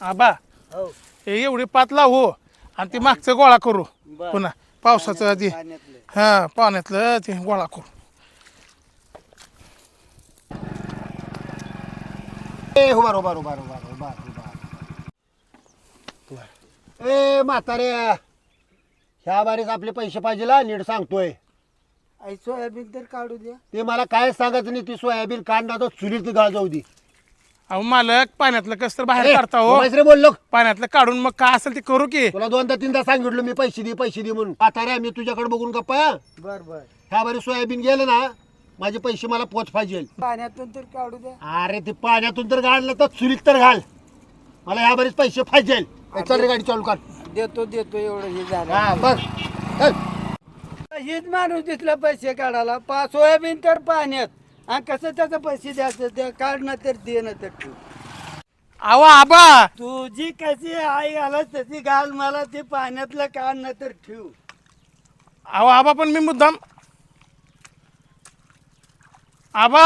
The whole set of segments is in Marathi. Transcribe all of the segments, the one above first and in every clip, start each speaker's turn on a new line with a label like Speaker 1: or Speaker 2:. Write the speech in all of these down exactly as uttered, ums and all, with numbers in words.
Speaker 1: आबा
Speaker 2: हो
Speaker 1: हे एवढी पात लावू आणि ती मागचं गोळा करू पुन्हा पावसाचं आधी
Speaker 2: पाण्यातलं
Speaker 1: हा पाण्यातलं ते गोळा करू.
Speaker 3: ए उभार उभार उभार उभार उभार उभार ए म्हातारे ह्या बारीक आपले पैसे पाहिजे ला नीट सांगतोय.
Speaker 2: आई सोयाबीन तर काढू द्या.
Speaker 3: ते मला काय सांगायचं नाही. ती सोयाबीन काढणार तर चुलीत गाळ जाऊ दे.
Speaker 1: अहो मालक पाण्यातलं कस तर बाहेर काढता हो.
Speaker 3: रे बोललो
Speaker 1: पाण्यातलं काढून मग काय असेल ते करू की.
Speaker 3: तुला दोनदा तीनदा सांगितलं मी पैसे दे पैसे दे म्हणून. म्हातारे मी तुझ्याकडे बघून गप्पा.
Speaker 2: बर बर
Speaker 3: ह्या बारी सोयाबीन गेलं ना माझे पैसे मला पोच पाहिजे.
Speaker 2: पाण्यातून तर काढू द्या.
Speaker 3: अरे ते पाण्यातून तर गाडलं तर चुलीत तर घाल. मला ह्या बारीच पैसे पाहिजे. चल रे गाडी चालू कर.
Speaker 2: देतो देतो एवढं हे
Speaker 3: हा
Speaker 2: झालं.
Speaker 3: बघ चल.
Speaker 2: हेच माणूस दिसला पैसे काढायला. पा सोयाबीन तर पाण्यात आणि कसं त्याचं पैसे द्यायचं ते काढणं तर देणं तर ठेव.
Speaker 1: अहो आबा
Speaker 2: तुझी कशी आई घालत तशी घाल. मला ते पाण्यातलं काढणं तर ठेव.
Speaker 1: अहो आबा पण मी मुद्दाम आबा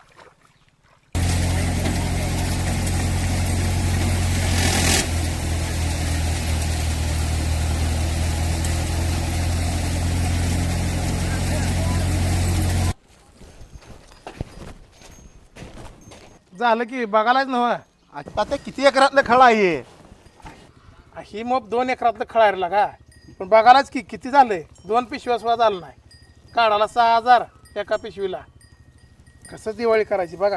Speaker 1: झालं की बघायलाच नव्ह.
Speaker 3: आता ते किती एकरातलं खळा आहे.
Speaker 1: ही मोप दोन एकरातलं खळायला का पण बघायलाच की किती झालंय. दोन पिशव्या सुद्धा झालं नाही. काढायला सहा हजार एका पिशवीला. कसं दिवाळी करायची बघा.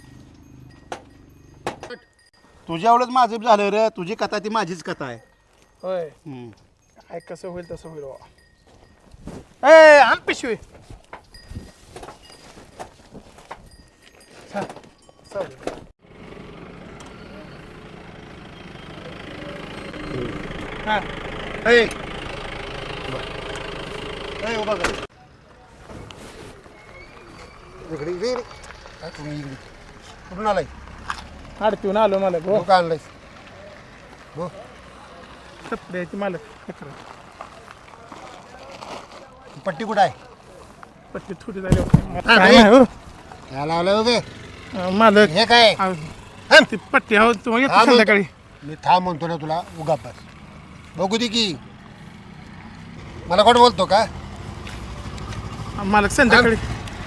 Speaker 3: तुझ्या एवढंच माझं झालं रे. तुझी कथा ती माझीच कथा आहे.
Speaker 1: होय काय कसं होईल तसं होईल बाबा. ए आण पिशवी. चल, चल. हा
Speaker 3: ए ए उभा कर. इकडे इकडे इकडे. काय तुम्ही इकडे कुठून आलाय.
Speaker 1: अडचून आलो मला
Speaker 3: हो का आणलायस. हो
Speaker 1: कपड्याची मालक अकरा
Speaker 3: पट्टी कुठं आहे.
Speaker 1: पट्टी थोडी झाली
Speaker 3: हा,
Speaker 1: काय
Speaker 3: नाही.
Speaker 1: नाही हो.
Speaker 3: काय लावलं बघे.
Speaker 1: अं, मालक
Speaker 3: हे काय
Speaker 1: अं, ती पट्टी आहो तुम्हाला
Speaker 3: हा,
Speaker 1: येतो
Speaker 3: मग.
Speaker 1: संध्याकाळी.
Speaker 3: मी थांब म्हणतो ना तुला उगा बस. बघू दे की मला कोण बोलतो का.
Speaker 1: मालक संध्याकाळी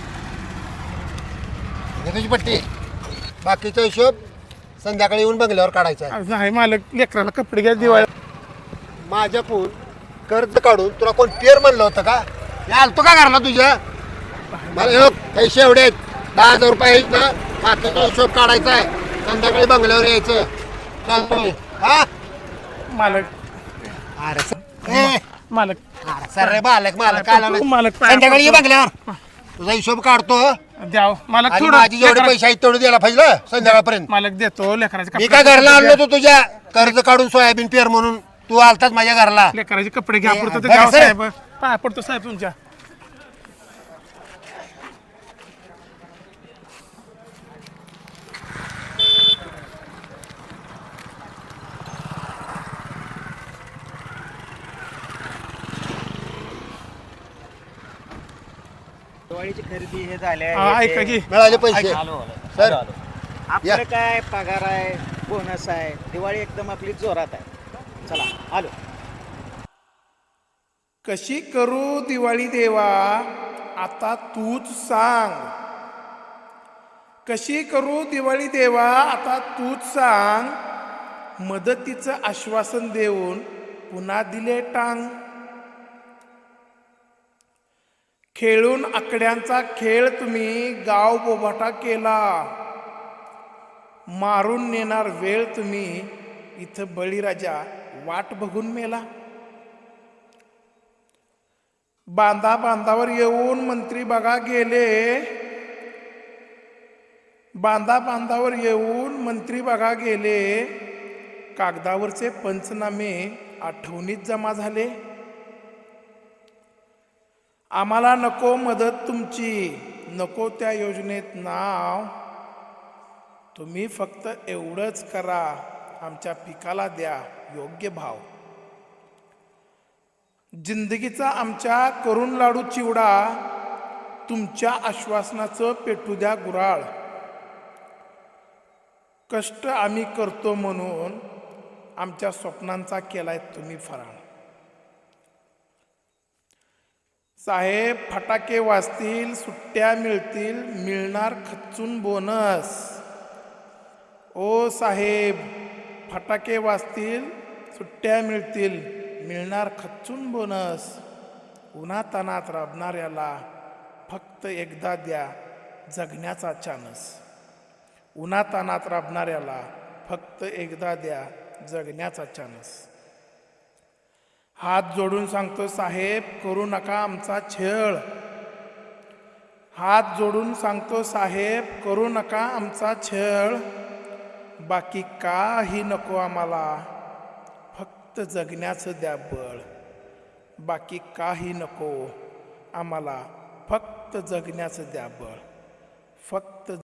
Speaker 3: हे तुझी पट्टी. बाकीचा हिशोब संध्याकाळी येऊन बंगल्यावर काढायचा आहे.
Speaker 1: अं, नाही मालक लेकराला कपडे घ्या दिवाळी.
Speaker 3: माझ्याकडून कर्ज काढून तुला कोण पेर म्हणलं होतं का. हे आलतो का घरला तुझ्या. मला हे बघ, पैसे एवढे आहेत. दहा हजार रुपये आहेत ना. बाकीचा हिशोब काढायचा आहे. संध्याकाळी बंगल्यावर यायचं. चालतोय हा.
Speaker 1: मालक
Speaker 3: अरे स- ए,
Speaker 1: मालक
Speaker 3: अरे सर रे बालक मालक काय लावलंय?
Speaker 1: मालक पाया
Speaker 3: संध्याकाळी ये
Speaker 1: पडतो.
Speaker 3: बंगल्यावर. तुझा हिशोब काढतो
Speaker 1: द्याव मालक
Speaker 3: आणि
Speaker 1: थोडं
Speaker 3: माझी जेवढे
Speaker 1: लेकरा-
Speaker 3: पैसे आहेत तेवढे द्यायला पाहिजे ना संध्याकाळपर्यंत.
Speaker 1: मालक देतो लेकराचे
Speaker 3: मी
Speaker 1: कपडे
Speaker 3: काय घरला आणलो होतो तुझ्या कर्ज काढून सोयाबीन पेर म्हणून. तू आलताच माझ्या घरला.
Speaker 1: लेकराचे कपडे घ्या
Speaker 3: ए,
Speaker 1: पुरतं ते
Speaker 3: बरं,
Speaker 1: द्यावं
Speaker 3: सर.
Speaker 1: साहेब. पाया पडतो साहेब तुमच्या.
Speaker 2: दिवाळीची खरेदी हे झाले
Speaker 1: हा, ऐका की
Speaker 3: मिळाले पैसे सर.
Speaker 2: आपलं काय पगार आहे बोनस आहे. दिवाळी एकदम आपली जोरात आहे. चला आलो.
Speaker 1: कशी करू दिवाळी देवा आता तूच सांग. कशी करू दिवाळी देवा आता तूच सांग. मदतीचं आश्वासन देऊन पुन्हा दिले टांग. खेळून आकड्यांचा खेळ तुम्ही गाव बोभाटा केला. मारून नेणार वेळ तुम्ही इथं बळीराजा वाट बघून मेला. बांधा बांधावर येऊन मंत्री बघा गेले. बांधा बांधावर येऊन मंत्री बघा गेले. कागदावरचे पंचनामे आठवणीत जमा झाले. आम्हाला नको मदत तुमची, नको त्या योजनेत नाव. तुम्ही फक्त एवढंच करा, आमच्या पिकाला द्या योग्य भाव. जिंदगीचा आमच्या करून लाडू चिवडा, तुमच्या आश्वासनाचं पेटू द्या गुराळ. कष्ट आम्ही करतो म्हणून आमच्या स्वप्नांचा केलाय तुम्ही फराळ. साहेब फटाके वाजतील, सुट्ट्या मिळतील, मिळणार खच्चून बोनस. ओ साहेब फटाके वाजतील, सुट्ट्या मिळतील, मिळणार खच्चून बोनस. उन्हातानात राबणाऱ्याला फक्त एकदा द्या जगण्याचा चानस. उन्हातानात राबणाऱ्याला फक्त एकदा द्या जगण्याचा चानस. हात जोडून सांगतो साहेब करू नका आमचा छळ. हात जोडून सांगतो साहेब करू नका आमचा छळ. बाकी काही नको आम्हाला फक्त जगण्याचं द्या बळ. बाकी काही नको आम्हाला फक्त जगण्याचं द्या बळ. फक्त